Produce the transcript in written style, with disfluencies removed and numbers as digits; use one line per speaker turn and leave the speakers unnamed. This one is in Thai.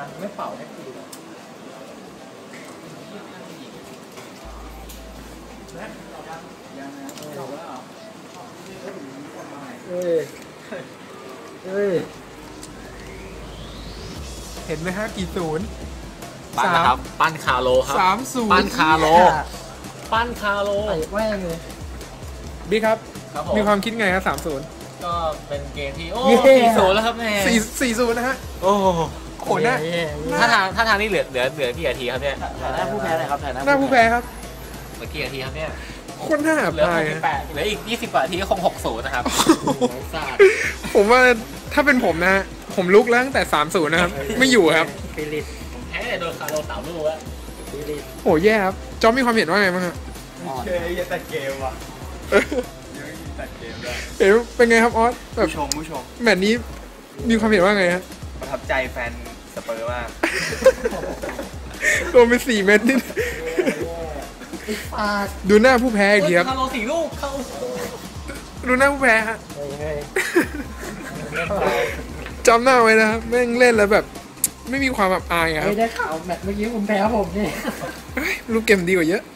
ไม่เป่าให้กูเลยยังนะจบแล้วเฮ้ยเห็นไหมฮะกี่ศูนย์
ปั้นนะครับปั้นคาโลครับ
3-0
ปั้นคาโลปั้นคาโล
แว่งเลยบิ๊กครับมีความคิดไงครับ3-0
ก็เป็นเกมที่โอ้4-0แล้วครับแม่
4-0นะฮะ
โอ้
โหหน้า
ถ้าทางนี้เหลือกี่นาทีครับเนี่ย
หน้าผู้แพ้เลยครับหน้าผู้แพ้ครับ
เหลือกี่นาทีครับเนี่ย
คนหน้า
เหลือ68เหลืออีก20กว่านาทีก็คง60นะครับ
ผมว่าถ้าเป็นผมนะผมลุกแล้วตั้งแต่3-0นะครับไม่อยู่ครับ
ผมแพ้โดนคาโล3 ลูกแล้ว
โอ้แย่ครับจอมมีความเห็นว่าไงบ้างฮะ
เคยยังแต่เกมว่ะยังแต่เกมได้
เห็นเป็นไงครับออสแบบ
ผู้ชม
แมตช์นี้มีความเห็นว่าไงฮะ
ประทับใจแฟนสเปอร์มาก
โดนไป4 เม็ดนี่ดูหน้าผู้แพ้อีกทีครับ
คาโล4 ลูกเข้า
ดูหน้าผู้แพ้ฮะจำหน้าไว้นะครับแม่งเล่นแล้วแบบไม่มีความแบบอายครับ
ได้ข่าวแมตช์เมื่อกี้คุณแพ้ผมนี่
รูปเกมดีกว่าเยอะ